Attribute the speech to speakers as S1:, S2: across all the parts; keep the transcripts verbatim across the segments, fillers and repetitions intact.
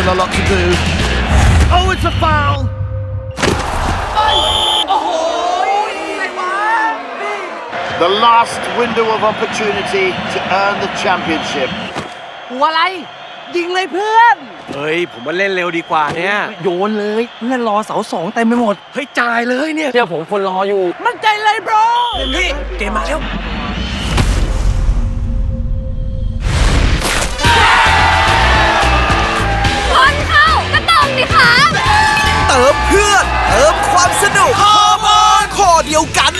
S1: still a lot to do. Oh, it's a foul. The last window of opportunity to earn the championship.
S2: หัวอะไรยิงเลยเพื่อนเฮ้ยผมมาเล่นเร็วดีกว่าเนี่ยโยนเลยเพื่อนรอเสาสองเต็มไปหมดเฮ้ยจ่ายเลยเนี่ยเดี๋ยวผมคนรออยู่มั่นใจเลยบรเต็มที่เกมมาแล้ว
S3: คนเข้าก็ต้องดิคะ
S4: เติมเพื่อนเติมความสนุกฮอร์โมนข้อเดียวกัน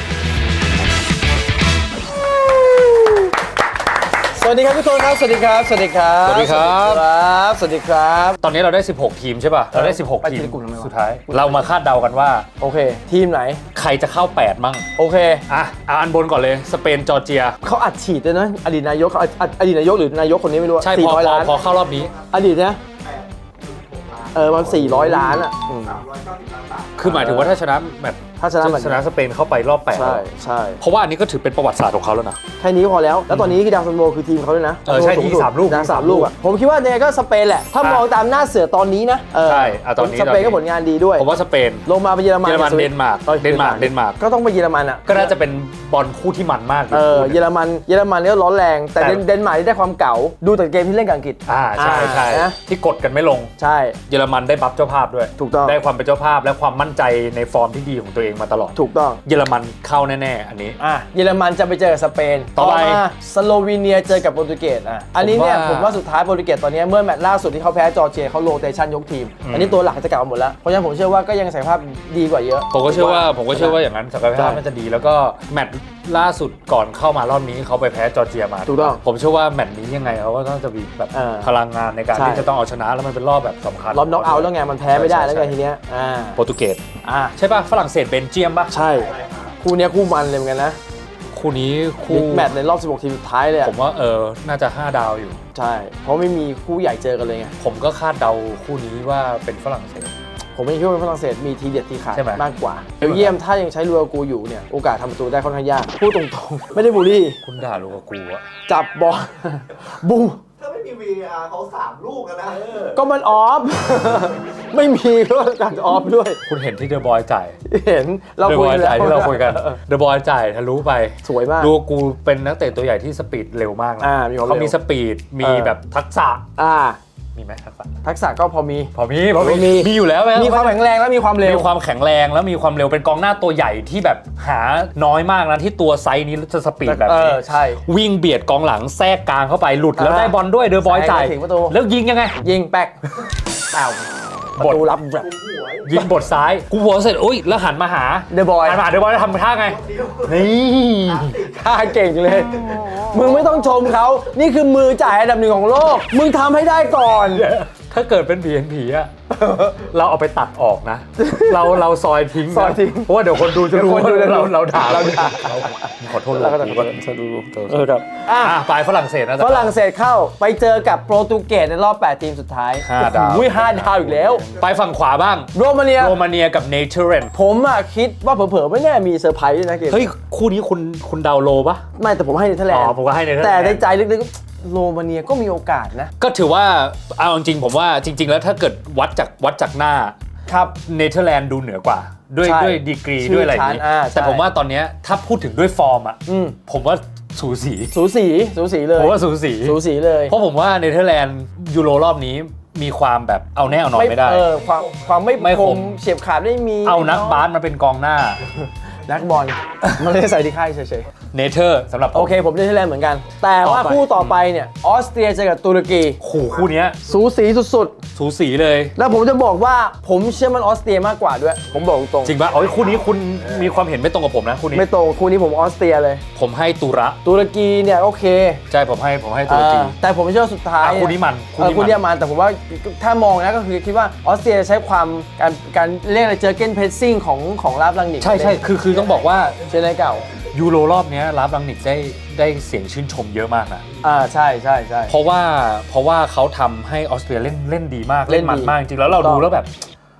S2: สวัสดีครับทุกคนครับสวัสดีครับสวัสดีครับ
S5: สวัสดีครับ
S2: สวัสดีครับ
S5: ตอนนี้เราได้สิบหกทีมใช่ป่ะเราได้สิบหกทีมสุดท้ายเรามาคาดเดากันว่า
S2: โอเคทีมไหน
S5: ใครจะเข้าแปดมั่ง
S2: โอเค
S5: อ่ะเอาอันบนก่อนเลยสเปนจอร์เจีย
S2: เขาอัดฉีดด้วยนะอดีตนายกเขาอดีตนายกหรือนายกคนนี้ไม่รู้
S5: ใช่พอพอพอเข้ารอบนี้
S2: อดีตนะเออมันสี่ร้อยล้านอ่ะ
S5: คือหมายถึงว่าถ้าชนะแมตช์
S2: ถ้าชนะ
S5: ชนะสเปนเข้าไปรอบแปด
S2: ใช่ใช่
S5: เพราะว่าอันนี้ก็ถือเป็นประวัติศาสตร์ของเขาแล้วนะ
S2: แค่นี้พอแล้วแล้วตอนนี้คือดาวซันโวคือทีมเขาด้วยนะ
S5: เออใช่ที่สามลูก
S2: นะสามลูกอ่ะผมคิดว่าเนี่ยก็สเปนแหละถ้ามองตามหน้าเสือตอนนี้นะ
S5: ใช่ตอนนี้
S2: สเปนก็ผลงานดีด้วย
S5: ผมว่าสเปน
S2: ลงมาเป็นเยอรมัน
S5: เยอรมันเดนมาร์กเดนมาร์กเดนมาร์ก
S2: ก็ต้องไปเยอรมันอ่ะ
S5: ก็น่าจะเป็นบอลคู่ที่มันมาก
S2: เออเยอรมันเยอรมันเนี่ยร้อนแรงแต่เดนมาร์กได้ความเก่าดูแต่เกมที่เล่นกับอังกฤษ
S5: อ่าใช่ใช่ที่กดกันไม่ลง
S2: ใช่
S5: เยอรมันได้บัฟเจ้าภาพด้วย
S2: ถูกต้อง
S5: ได้ความเป็นเจ้าภาพและความมั่นใจในฟอร์มที่ดีของตัวเองมาตลอด
S2: ถูกต้อง
S5: เยอรมันเข้าแน่ๆอันนี้
S2: อ่ะเยอรมันจะไปเจอกับสเปน
S5: ต่อไป
S2: สโลวีเนียเจอกับโปรตุเกสอ่ะอันนี้เนี่ยผมว่าสุดท้ายโปรตุเกสตอนนี้เมื่อแมตช์ล่าสุดที่เขาแพ้จอร์เจียเขาโรเตชันยกทีมอันนี้ตัวหลักจะกลับมาหมดแล้วเพราะฉะนั้นผมเชื่อว่าก็ยังศักยภาพดีกว่าเยอะ
S5: ผมก็เชื่อว่าผมก็เชื่อว่าอย่างนั้นศักยภาพมันจะดีแล้วก็แมตช์ล่าสุดก่อนเข้ามารอบนี้เขาไปแพ้จอร์เจียมา
S2: ถูกต้อง
S5: ผมเชื่อว่าแมตช์นี้ยังไงเขาก็ต้องจะมีแบบพลังงานในการที่จะต้องเอาชนะแล้วมันเป็นรอบแบบสำคัญ
S2: รอบน็อกเอาท์แล้วไงมันแพ้ไม่ได้แล้วไงทีเนี้ย
S5: โปรตุเกส
S2: อ่า
S5: ใช่ป่ะฝรั่งเศสเบนเจียมป่ะ
S2: ใช่คู่นี้คู่มันเลยเหมือนกันนะ
S5: คู่นี้คู่
S2: แมตช์ในรอบสิบหกทีมสุดท้ายเลย
S5: ผมว่าเออน่าจะห้าดาวอยู่
S2: ใช่เพราะไม่มีคู่ใหญ่เจอกันเลยไง
S5: ผมก็คาดเดาคู่นี้ว่าเป็นฝรั่งเศส
S2: ผมไม่คิดว่าเป็นฝรั่งเศสมีทีเด็ดทีขาดมากกว่าเบลเยียมถ้ายังใช้ลูกากูอยู่เนี่ยโอกาสทำประตูได้ค่อนข้างยากพูดตรงๆไม่ได้บูลลี่
S5: คุณด่าลูกากูอะ
S2: จับบอลบู
S6: ถ้าไม่มี วี อาร์ เขาสามลูกกันนะ
S2: ก็มันออฟไม่มีก็การออฟด้วย
S5: คุณเห็นที่เดอะบอยจ่าย
S2: เห็นเราคุยกัน
S5: ที่เราคุยกันเดอะบอยจ่ายทะลุไป
S2: สวยมาก
S5: ดูกูเป็นนักเตะตัวใหญ่ที่สปีดเร็วมากนะเขามีสปีดมีแบบทักษะ
S2: อ่า
S5: มีไหมทักษะ
S2: ทักษะก็พอมี
S5: พอมีพอมีมีอยู่แล้ว
S2: มีความแข็งแรงแล้วมีความเร็ว
S5: มีความแข็งแรงแล้วมีความเร็วเป็นกองหน้าตัวใหญ่ที่แบบหาน้อยมากนะที่ตัวไซส์นี้จะสปีดแบบนี้
S2: ใช่
S5: วิ่งเบียดกองหลังแทรกกลางเข้าไปหลุดแล้วได้บอลด้วยเดอะบอยจ่ายแล้วยิงยังไง
S2: ยิงแป๊กเต่าประตูรับแบบ
S5: ยิงบทซ้ายกูหัวเสร็จอุ้ยแล้วหันมาหา
S2: เดอะบอย
S5: หันมาเดอะบอยทำท่าไงนี่
S2: ท่าเก่งเลยมึงไม่ต้องชมเขานี่คือมือจ่ายอันดับหนึ่งของโลกมึงทำให้ได้ก่อน
S5: ถ้าเกิดเป็นผีเห็นผีอะเราเอาไปตัดออกนะเราเราซอยทิ้ง
S2: ซอยทิ้ง
S5: เพราะว่าเดี๋ยวคนดูจะรู้ว่าเราเราด่า
S2: เราด่า
S5: ขอโทษ
S2: เราก็จะดูเออครับอ่ะ
S5: ไปฝรั่งเศสนะ
S2: ฝรั่งเศสเข้าไปเจอกับโปรตุเกสในรอบแปดทีมสุดท้าย
S5: ห้าดาว
S2: อุ้ยห้าดาวอีกแล้ว
S5: ไปฝั่งขวาบ้าง
S2: โรมาเนีย
S5: โรมาเนียกับเนเธอร์แลนด์
S2: ผมอะคิดว่าเผลอๆไม่แน่มีเซอร์ไพรส์ด้วยนะเกม
S5: เฮ้ยคู่นี้คุณคุณดาวโลปะ
S2: ไม่แต่ผมให้เนเธอร์แลนด์
S5: อ๋อผมก็ให้เนเธอร์แลนด์
S2: แต่ในใจลึกๆโรมาเนียก็มีโอกาสนะ
S5: ก็ถือว่าเอาจริงๆผมว่าจริงๆแล้วถ้าเกิดวัดจากวัดจากหน้า
S2: ครับ
S5: เนเธอร์แลนด์ดูเหนือกว่าด้วยด้วยดีกรีด้วยอะไรอย่างนี้แต่ผมว่าตอนนี้ถ้าพูดถึงด้วยฟอร์มอ่ะผมว่าสูสี
S2: สูสีสูสีเลย
S5: ผมว่าสูสี
S2: สูสีเลย
S5: เพราะผมว่าเนเธอร์แลนด์ยูโรรอบนี้มีความแบบเอาแน่เอานอนไม่ได้
S2: เออความความไม่คมเฉียบขาดไม่มี
S5: เอานักบาสมาเป็นกองหน้า
S2: นักบอลมันไม่ได้ใส่ที่ค่ายเฉย
S5: ๆเนเธอร์สำหรับ
S2: โอเคผมเนเธอร์แลนด์เหมือนกันแต่ว่าคู่ต่อไปเนี่ยออสเตรียเจอกับตุรกี
S5: คู่คู่นี้
S2: สูสีสุด
S5: ๆสูสีเลย
S2: แล้วผมจะบอกว่าผมเชื่อมันออสเตรียมากกว่าด้วยผมบอกตรง
S5: จริงป่ะอ๋อคู่นี้คุณมีความเห็นไม่ตรงกับผมนะคู่นี้
S2: ไม่ตรงคู่นี้ผมออสเตรียเลย
S5: ผมให้ตุระ
S2: ตุรกีเนี่ยโอเค
S5: ใช่ผมให้ผมให้ตุรกี
S2: แต่ผมเชื่อสุดท้าย
S5: คู่นี้มัน
S2: คู่นี้มันแต่ผมว่าถ้ามองนะก็คือคิดว่าออสเตรียใช้ความการการเรียกอะไรเจอเกนเพรสซิ่งของของลาบลังนิก
S5: ใช่ใช่คือคือต้องบอกว่า
S2: เชนไนเก่า
S5: ยูโรรอบนี้ลาบลังนิกได้ได้เสียงชื่นชมเยอะมากนะ
S2: อ่าใช่ใช่ใช่
S5: เพราะว่าเพราะว่าเขาทำให้ออสเตรียเล่นเล่นดีมากเล่นมันมากจริงแล้วเราดูแล้วแบบ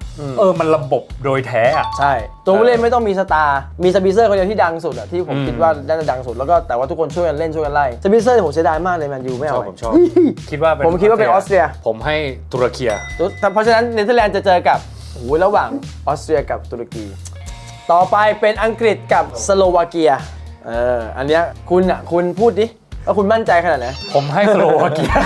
S5: เออมันระบบโดยแท้อะ
S2: ใช่ตัวผู้เล่นไม่ต้องมีสตาร์มีสปิเซอร์คนเดียวที่ดังสุดอะที่ผม
S5: อืม
S2: คิดว่าน่าจะดังสุดแล้วก็แต่ว่าทุกคนช่วยกันเล่นช่วยกันไล่สปิเซอร์ผมเสียดายมากเลยแมนยูไม่
S5: ช
S2: เอา
S5: อบผมชอบ
S2: เฮ้ย
S5: คิดว่าเป็น
S2: ผมคิดว่าเป็นออสเตรีย
S5: ผมให้ตุรเกีย
S2: เพราะฉะนั้นเนเธอร์แลนด์จะเจอกับโอ้โหระหว่างออสเตรียกับตุรกี ต่อไปเป็นอังกฤษกับสโลวาเกียเอออันเนี้ยคุณอ่ะคุณพูดดิว่าคุณมั่นใจขนาดไหน
S5: ผมให้สโลวาเกีย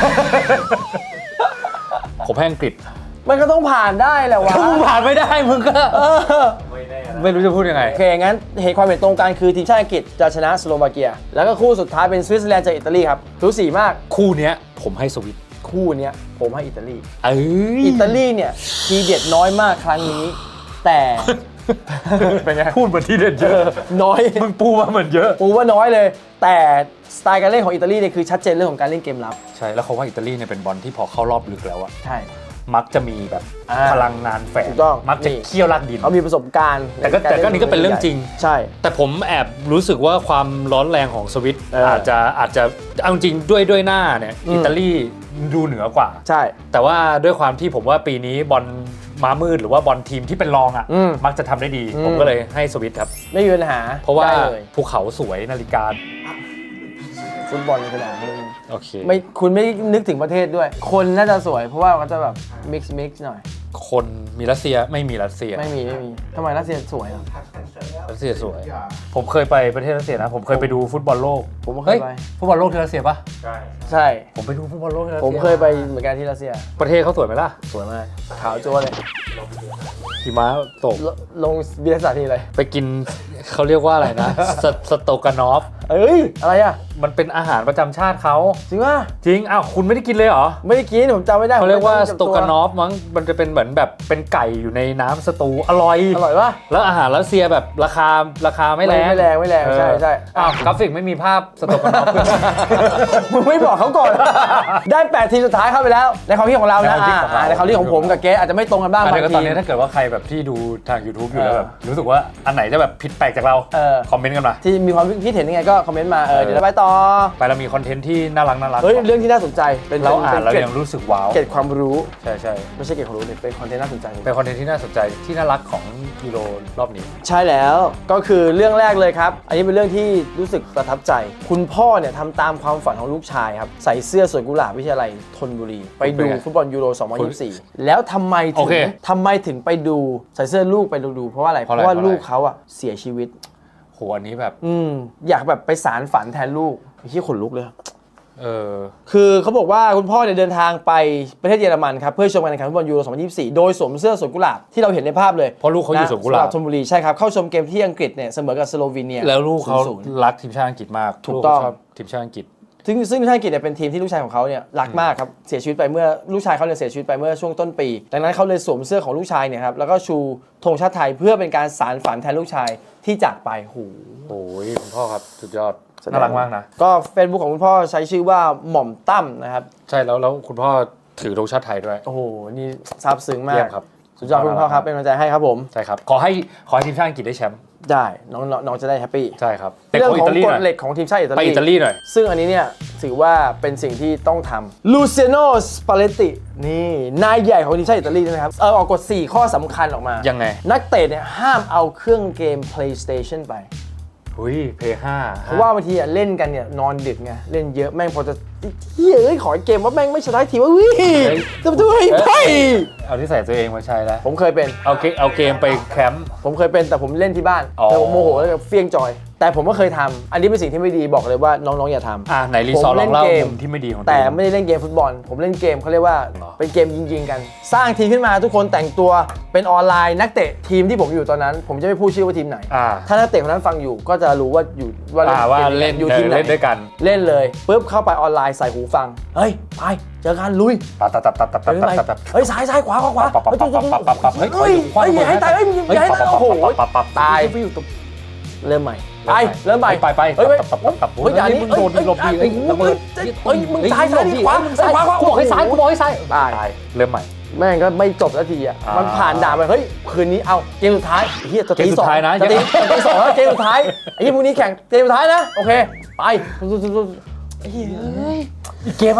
S5: ผมให้อังกฤษ
S2: มันก็ต้องผ่านได้แหละวะ
S5: ถ้ามึงผ่านไม่ได้มึงก็
S2: เออ
S5: ไม่รู้จะพูดยังไง
S2: โอเคงั้นเหตุความเห็นตรงกันคือทีมชาติอังกฤษจะชนะสโลวาเกีย แล้วก็คู่สุดท้ายเป็นสวิตเซอร์แลนด์เจออิตาลีครับสูสีมาก
S5: คู่เนี้ยผมให้สวิต
S2: คู่เนี้ยผมให้อิตาลี
S5: เอ้ย
S2: อิตาลีเนี่ยทีเด็ดน้อยมากครั้งนี้ แต่
S5: เป็นไงพูดเหมือนที่เด็ดเยอะ
S2: น้อย
S5: มึงปูมาเหมือนเยอะ
S2: ปูว่าน้อยเลย แต่สไตล์การเล่นของอิตาลีเนี่ยคือชัดเจนเรื่องของการเล่นเกมรับ
S5: ใช่แล้วเขาว่าอิตาลีเนี่ยเป็นบอลที่พอเข้ารอบลึกแล้วอะ
S2: ใช่
S5: มักจะมีแบบ
S2: อ่า
S5: พลังงานแฝง
S2: ถูกต้อง
S5: มักจะ
S2: นี่
S5: เคี่ยวลากดิน
S2: เขามีประสบการณ์
S5: แต่ก็แต่ก็นี่ก็เป็นเรื่องจริง
S2: ใช่
S5: แต่ผมแอบรู้สึกว่าความร้อนแรงของสวิต
S2: เอออ
S5: อาจจะอาจจะเอาจริงด้วยด้วยหน้าเนี่ย
S2: อืม
S5: อิตาลีดูเหนือกว่า
S2: ใช่
S5: แต่ว่าด้วยความที่ผมว่าปีนี้บอลม้ามืดหรือว่าบอลทีมที่เป็นรองอ่ะ
S2: อืม
S5: มักจะทำได้ดี
S2: อืม
S5: ผมก็เลยให้สวิตครับ
S2: ไม่มีปัญหา
S5: เพราะว่า
S2: ได้เลย
S5: ภูเขาสวยนาฬิกา
S2: ฟุตบอลในสนามนี่
S5: โอเค
S2: ไม่คุณไม่นึกถึงประเทศด้วย คนน่าจะสวย เพราะว่าเขาจะแบบมิกซ์มิกซ์หน่อย
S5: คนมีรัสเซียไม่มีรัสเซีย
S2: ไม่มีไม่มีทำไมรัสเซียสวยอ่ะ
S5: รัสเซียสวย ผมเคยไปประเทศรัสเซียนะ ผมเคยไปดูฟุตบอลโลก
S2: ผมก็เค
S5: เฮ้
S2: ย
S5: ย
S2: ไป
S5: ฟุตบอลโลกที่รัสเซียปะ
S2: ใช่
S5: ผมไปดูฟุตบอลโลกที่รัส
S2: ผ
S5: เซี
S2: มเคยไปเหมือนกันที่รัสเซีย
S5: ประเทศเขาสวยไหมล่ะ
S2: สวยมาก ขาวจั๊วเลย
S5: หิมะตก
S2: ลลงเบียร์สถานที่เลย
S5: ไปกินเขาเรียกว่าอะไรนะ สสโตกานอฟ
S2: เอ้ย อะไรอ่ะ
S5: มันเป็นอาหารประจำชาติเขา
S2: จริงป่ะ
S5: จริง อ้าว คุณไม่ได้กินเลยเหรอ
S2: ไม่ได้กินผมจำไม่ได้
S5: เขาเรียกว่า
S2: ผม
S5: ส
S2: จำ
S5: โต
S2: ตัว
S5: กานอฟมั้ง มันจะเป็นเหมือนแบบเป็นไก่อยู่ในน้ำสตูอร่อย
S2: อร่อยป่ะ
S5: แล้วอาหารรัสเซียแบบราคาราคาไม่แรง
S2: ไม่แรงไม่แรงใช่ใช่
S5: เอออ้าวกราฟิกไม่มีภาพสโตกานอฟ
S2: มึงไม่บอกเขาก่อน ได้แปดทีมสุดท้ายเข้าไปแล้ว ในความคิดของเรานะ
S5: ในความคิดของเรา
S2: อ่าในความคิดของผมกับเกสอาจจะไม่ตรงกันบ้าง
S5: อัน
S2: บา
S5: นี้
S2: ง
S5: ก็
S2: ที
S5: ตอนนี้ถ้าเกิดว่าใครแบบที่ดูทาง YouTube อยู่แล้ว
S2: เออ
S5: แบบรู้สึกว่าอันไหนจะแบบผิดแปลกจากเรา
S2: เออ
S5: คอมเมนต์กันมา
S2: ที่มีความคิดเห็นยังไงก็คอมเมนต์มา เออ เดี๋ยวเราไปต่อ
S5: ไปเรามีคอนเทนต์ที่น่ารักน่ารัก
S2: เฮ้ย เรื่องที่น่าสนใจ เป็น
S5: เราอ่าน
S2: เป็น
S5: เรา
S2: เกร็ด
S5: ยังรู้สึกว้าว
S2: เกร็ดความรู้
S5: ใช่ใช่
S2: ไม่ใช่เกร็ดความรู้เนี่ยเป็นคอนเทนต์น่าสนใจ
S5: เป็นคอนเทนต์ที่น่าสนใจที่น่ารักของยูโรรอบนี้
S2: ใช่แล้ว ก็คือเรื่องแรกเลยครับ อันนี้เป็นเรื่องที่รู้สึกประทับใจ คุณพ่อเนี่ยทำตามความฝันของลูกชายครับ ใส่เสื้อสวนกุหลาบวิทยาลัยธนบุรี ไปดูฟุตบอลยูโร สองพันยี่สิบสี่ แล้วทำไมถึ
S5: โอง เค
S2: ทำไมถึงไปดูใส่เสื้อลูกไปดูดูเพราะว่าอะไร เพ
S5: เพราะอะไร
S2: ราะว่า
S5: เพราะอะไร
S2: ลูกเขาอะเสียชีวิต
S5: โหอันนี้แบบ
S2: อืมอยากแบบไปสารฝันแทนลูกที่ขนลุกเลย
S5: เออ
S2: คือเขาบอกว่าคุณพ่อเนี่ยเดินทางไปประเทศเยอรมันครับเพื่อชมการแข่งขันฟุตบอลยูโร สองพันยี่สิบสี่ โดยสวมเสื้อสวนกุหลาบที่เราเห็นในภาพเลย
S5: เพราะลูกเขาอยู่สวนกุหลาบ
S2: ธนบุรีใช่ครับเข้าชมเกมที่อังกฤษเนี่ยเสมอกับสโลวีเนีย
S5: แล้วลูกเขา
S2: ศูนย์ศูนย์
S5: รักทีมชาติอังกฤษมาก
S2: ถูกต้อง
S5: ลูเขาชอบทีมชาติอังกฤษ
S2: ซึ่งซึ่งทีมชาติอังกฤษเนี่ยเป็นทีมที่ลูกชายของเขาเนี่ยรักมากครับเสียชีวิตไปเมื่อลูกชายเขาเนี่ยเสียชีวิตไปเมื่อช่วงต้นปี ดังนั้นเขาเลยสวมเสื้อของลูกชายเนี่ยครับแล้วก็ชูธงชาติไทยเพื่อเป็นการสานฝันแทนลูกชายที่จากไปโห
S5: โอ้ยคุณพ่อครับสุดยอดน่ารักมากนะ
S2: ก็ Facebook ของคุณพ่อใช้ชื่อว่าหม่อมตั้มนะครับ
S5: ใช่แล้วแล้วคุณพ่อถือธงชาติไทยด้วย
S2: โอ้โหนี่ซาบซึ้งมา
S5: เยี่
S2: ก
S5: ยมครับ
S2: สุดยอดคุณพ่อครับเป็นกำลังใจให้ครับผม
S5: ใช่ครับขอให้ขอให้ทีมชาติอังกฤษได้แชมป์
S2: ได้น้องน้องน้องจะได้แฮปปี้
S5: ใช่ครับแต่
S2: เรื่อง
S5: ขอ
S2: ข
S5: อิ
S2: อง
S5: ตาลี
S2: ก
S5: ห
S2: ฎ
S5: น่อย
S2: เหล็กของทีมชาติอิตาลี
S5: ไปอิตาลีหน่อย
S2: ซึ่งอันนี้เนี่ยถือว่าเป็นสิ่งที่ต้องทำลูเซียโนสปาเลตตินี่นายใหญ่ของทีมชาติอิตาลีนะครับเออออกกฎสี่ข้อสำคัญออกมา
S5: ยังไง
S2: นักเตะเนี่ยห้ามเอาเครื่องเกม PlayStation ไป
S5: หุยเพย์ห้า
S2: เพราะว่าบางทีอ่ะเล่นกันเนี่ยนอนดึกไงเล่นเยอะแม่งพอจะเฮ้ยเอ้ยขอเกมว่าแม่งไม่ชนะทีว่าวิจะมาด้วยไป
S5: เอาที่ใส่ตัวเองมาใช้แล้ว
S2: ผมเคยเป็น
S5: เอาเกมเอาเกมไปแคมป์
S2: ผมเคยเป็นแต่ผมเล่นที่บ้าน
S5: อ๋อ
S2: แต่ผมโมโหแล้วก็เฟี้ยงจอย แต่ผมก็เคยทำอันนี้เป็นสิ่งที่ไม่ดีบอกเลยว่าน้องๆอย่าทำ
S5: อ่ะไหนรีซอร์ลองเล่ามุมที่ไม่ดีของ
S2: แต่
S5: ทีม
S2: ไม่ได้เล่นเกมฟุตบอล ผมเล่นเกมเขาเรียกว่า
S5: หรอ
S2: เป็นเกมยิงๆกัน สร้างทีมขึ้นมาทุกคนแต่งตัวเป็นออนไลน์นักเตะทีมที่ผมอยู่ตอนนั้น ผมจะไม่พูดชื่อว่าทีมไหน
S5: อ่า
S2: ถ้านักเตะคนนั้นฟังอยู่ก็จะรู้ว่าอยู่ว่า
S5: อ่าว่า
S2: เกม
S5: เล่น
S2: อยู่ทีมไหน
S5: เล่นด้วยกัน
S2: เล่นเลยปุ๊บเข้าไปออนไลน์ใส่หูฟังเฮ้ยไปเจอกันลุย
S5: ตัดตัดตัดตัดตัด
S2: เฮ้ย
S5: ตัด
S2: ไป
S5: ตัดตัด
S2: เฮ้ยซ้ายซ้ายขวาขวาขวา
S5: ปับปับปับปับปับปับปับเฮ้ย
S2: เฮ้ย
S5: คว้า
S2: เฮ้ย
S5: ระเบิด
S2: อย่าให้ตายเฮ้ยอย่าให้ตายโอ้โห
S5: ปับปับ
S2: ตาย
S5: ฟิวตบ
S2: เริ่มใหม่ไปเริ่มใหม่
S5: ไปไป
S2: เฮ้ยเฮ้ย
S5: ปับปับปับ
S2: เฮ้ยอย่านี้
S5: มึงโดนหลบดี
S2: เฮ้ย
S5: ระเบิด
S2: เฮ้ยมึงซ้ายซ้ายดิขวาซ้ายขวาขวา
S5: กูบอกให้ซ้ายกูบอกให้ซ้าย
S2: ตาย
S5: เริ่มใหม่
S2: แม่งก็ไม่จบสักทีอ่ะ
S5: อ่ามั
S2: มันผ่านด่านไปเฮ้ยคืนนี้เอาเกมสุดท้ายเฮียจะตี
S5: เกมสุ
S2: สอ
S5: ด
S2: ง
S5: ท้ายนะ
S2: จะตีจะตีสองแล้วเกมสุดท้ายไอ้เหี้ยพรุ่งนี้แข่งเกมสุดท้ายนะโอเคไปไอ้เหี้ยเอ้ย
S5: อีกเกมไหม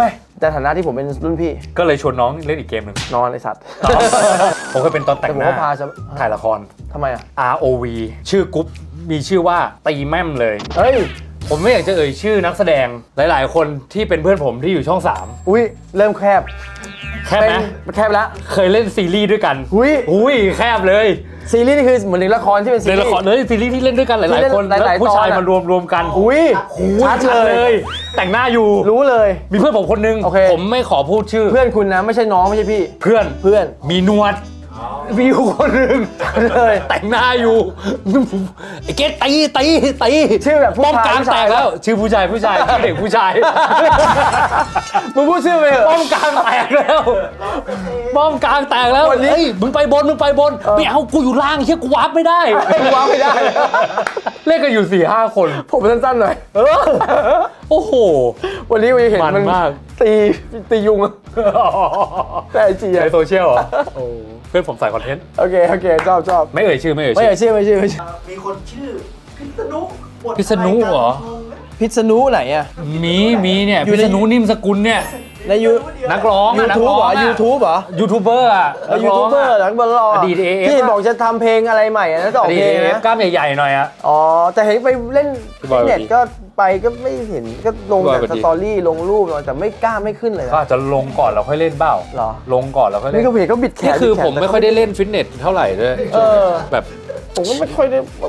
S2: แต่ฐานะที่ผมเป็นรุ่นพี่
S5: ก็เลยชวนน้องเล่นอีกเกมหนึ่ง
S2: นอนไอสัตว์
S5: ผมเคยเป็นตอนแต่
S2: แต่
S5: ง
S2: ผม
S5: หน้า
S2: ก็พาจะ
S5: ถ่ายละคร
S2: ทำไมอ่ะ
S5: อาร์ โอ วี ชื่อกรุ๊ปมีชื่อว่าตีแม่มเลย
S2: เฮ้ย
S5: ผมไม่อยากจะเอ่ยชื่อนักแสดงหลายๆ คนที่เป็นเพื่อนผมที่อยู่ช่องสาม
S2: อุ้ยเริ่มแคบ
S5: แคบไหม
S2: เป็นแคบแล้ว
S5: เคยเล่นซีรีส์ด้วยกัน
S2: อุ้ย
S5: อุ้ยแคบเลย
S2: ซีรีส์นี่คือเหมือนในละครที่เป็นซี
S5: ใน
S2: รีส์
S5: ละครเลยซีรีส์ที่เล่นด้วยกันห
S2: ที่
S5: ลาย
S2: เล่น
S5: ๆ คน
S2: หลายๆ
S5: แล้วผู้ชาย
S2: ตอนอะ
S5: มารวมรวมกัน
S2: อุ้ย
S5: อุ้ย
S2: ชัด
S5: ชัด
S2: เล
S5: เลย ย แต่งหน้าอยู่
S2: รู้เลย
S5: มีเพื่อนผมคนนึง
S2: โอเค
S5: ผมไม่ขอพูดชื่อ
S2: เพื่อนคุณนะไม่ใช่น้องไม่ใช่พี่
S5: เพื่อน
S2: เพื่อน
S5: มีหนวดมีอยู่คนหนึ่ง
S2: เลย
S5: แต่งหน้าอยู่ไอ้เกตตีตีตี
S2: ชื่อแบบผู้
S5: ป้อม
S2: ชาย
S5: กลาง
S2: ผู้ชาย
S5: แตกแล้ว ชื่อผู้ชายผู้ชายชื่อเด็กผู้ชาย
S2: มึงพูดชื่อไปเถอะ
S5: ป้อมกลางแตกแล้วป้อมกลางแตกแล้ว
S2: วันนี้
S5: เฮ้ยมึงไปบนมึงไปบนไม่เอากูอยู่ล่างเฮียกูวาร์ปไม่ได้
S2: กูวางไม่ได้
S5: เล่นกันอยู่สี่ห้าคน
S2: ผมสั้นๆหน่อย
S5: โอ้โห
S2: วันนี้กูจะเห็น
S5: มัน
S2: มัน
S5: มาก
S2: ตีตียุงอะแต่ไอจี
S5: ใน
S2: อะ
S5: โซเชียลเหรอโอ้เพื่อนผมใส่คอนเทนต์
S2: โอเคโอเคชอบชอบ
S5: ไม่เอ่ยชื่อไม่เอ่ย
S2: ไม่
S5: ชื่อ
S2: ใช่ชื่อไม่ใช่ไม่ใช่
S6: มีคนชื่อพิษณุบท
S5: พิษณุเหรอ
S2: พิษณุไหนอะ
S5: มีมีเนี่ย
S2: อยู่
S5: พิ
S2: ใน
S5: ษณุนิ่มสกุลเนี่ย
S2: ในยู
S5: นักร้อง
S2: ยู
S5: อะนัก
S2: ทูบ
S5: ร้อง
S2: เหรอ
S5: อะ
S2: ยูทูบเหรอ
S5: ยูทูบเบอร์อะ
S2: ยูทูบเบอร์หลังบอลลอ
S5: อดีต เอ เอฟ
S2: ที่บอกจะทำเพลงอะไรใหม่อะแล้วจะอ
S5: อ
S2: อก
S5: ดีต
S2: เพลง
S5: เอฟ
S2: นะ
S5: กล้ามใหญ่ๆหน่อยอะ
S2: อ๋อแต่เห็นไปเล่น
S5: พี่บอย
S2: เน็ตก็ไปก็ไม่เห็นก็ลง
S5: พี่บอย
S2: แต่
S5: สวัส
S2: ส
S5: ดี
S2: ตอรี่ลงรูปแต่ไม่กล้าไม่ขึ้นเลย
S5: ก็
S2: นะ
S5: อาจจะลงก่อนแล้วค่อยเล่นเปล่า
S2: เหรอ
S5: ลงก่อนแล้วค่อยเล่
S2: นี่
S5: น
S2: ก็เห็นก็บิดแขน
S5: นี่คือ
S2: บิดแขน
S5: ผมไม่ค่อยได้เล่นฟิตเนสเท่าไหร่ด้วย
S2: เออ
S5: แบบ
S2: ผมก็ไม่ค่อยได้แบบ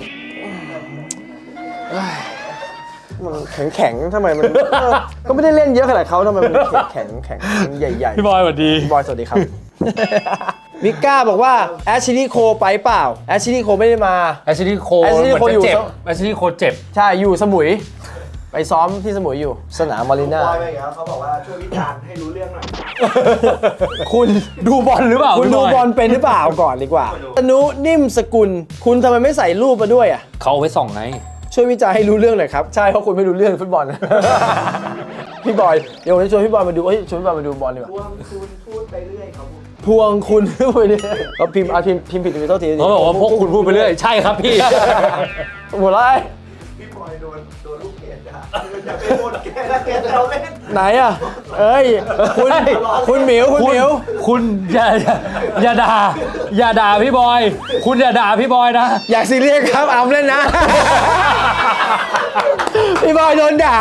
S2: มันแข็งแข็งๆทำไมมันเออก็ไม่ได้เล่นเยอะขนาดเขาทำไมมันแข็งแข็งแข็งใหญ่ๆ
S5: พี่บอยสวัสดี
S2: พี่บอยสวัสดีครับ มิก้าบอกว่าแอชลีย์โคไปเปล่าแอชลีย์โคไม่ได้มา
S5: แอชลีย์โค
S2: Ashley
S5: เหมือน
S2: Cole อยู่
S5: จะเจ็บ
S2: ซะ
S5: แอชลีย์โคเจ็บ
S2: ใช่อยู่สมุย ไปซ้อมที่สมุยอยู่ สนามมารีนา
S6: บอยไปอีกแล้วเขาบอกว่าช่วยวิจารณ์ให้รู้เรื่องหน่อย
S2: คุณ
S5: ดูบอลหรือเปล่า
S2: คุณดูบอลเป็นหรือเปล่าก่อนดีกว่าตนุนิ่มสกุล คุณทำไมไม่ใส่รูปมาด้วยอ่ะ
S5: เขาเอาไว้ส่องไง
S2: ช่วยวิจารณ์ให้รู้เรื่องหน่อยครับ ใช่เพราะคุณไม่รู้เรื่องฟุตบอล พี่บอยเดี๋ยวผมจะชวนพี่บอยมาดูเอ้ยชวนพี่บอยมาดูบอลดีกว่า
S6: พวงคุณพูดไปเรื่อยครับผม
S2: พวงคุณไปเรื่อยเขาพิมพ์อ่ะพิมพ์พิมพ์ผิดไปโทษที
S5: เขาบอกว่าพวกคุณพูดไปเรื่อยใช่ครับพี่
S2: หมดแล้ว
S6: พี่บอยโดนโดนลูกเกดนะอย่าไปโดนแกนะแกจะเราเล่น
S2: ไหนอ่ะ เอ้ย คุณ คุณหมิว คุณ
S5: คุณ
S2: หมิว
S5: คุณอย่าอย่าอย่าด่าอย่าด่าพี่บอย คุณอย่าด่าพี่บอยนะ
S2: อยากซีเรียสครับอามเล่นนะ พี่บอยโดนด่า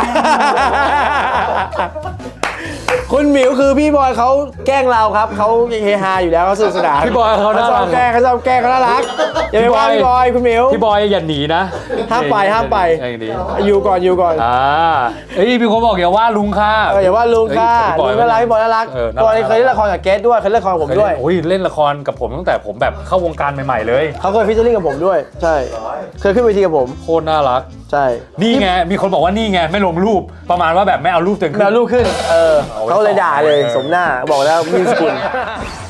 S2: คุณหมิวคือพี่บอยเขาแกล้งเราครับเขาเฮฮาอยู่แล้วเขาสนุกสนาน
S5: พี่บอยเขาน่า
S2: ช
S5: รั
S2: อก บแกล้งเขาชอบแกล้งเขาน่ารักอย่าไปว่าพี่บอยคุณหมิว
S5: พี่บอยอย่าหนีนะ
S2: ห้ามไปห้ามไป
S5: อย่างนี้
S2: อยู่ก่อนอยู่ก่อน
S5: อ่าเอ้ยมีคนบอกอย่าว่าลุงค่ะ
S2: เอออย่าว่าลุงค่ะ
S5: เอ้ย
S2: ลุงน่ารักพี่บอยน่ารัก
S5: เออ
S2: ตอนนี้เคยเล่นละครกับเกสด้วยเคยเล่นละครกับผมด้วย
S5: โอ้ยเล่นละครกับผมตั้งแต่ผมแบบเข้าวงการใหม่ๆเลย
S2: เขาเคยฟิชเชอร์ลิงกับผมด้วย ใช่ เคยขึ้นเวทีกับผม
S5: โคตรน่ารัก
S2: ใช่
S5: นี่ไงมีคนบอกว่านี่ไงไม่ลงรูปประมาณว่าแบบไม่เอารูปตัวเอง
S2: แม
S5: ขึ้
S2: วน ลูกขึ้น เออ
S5: เอาไว้
S2: เขาเลยด่าเลย
S5: เออ
S2: สมหน้าบอกแล้วมีสกุล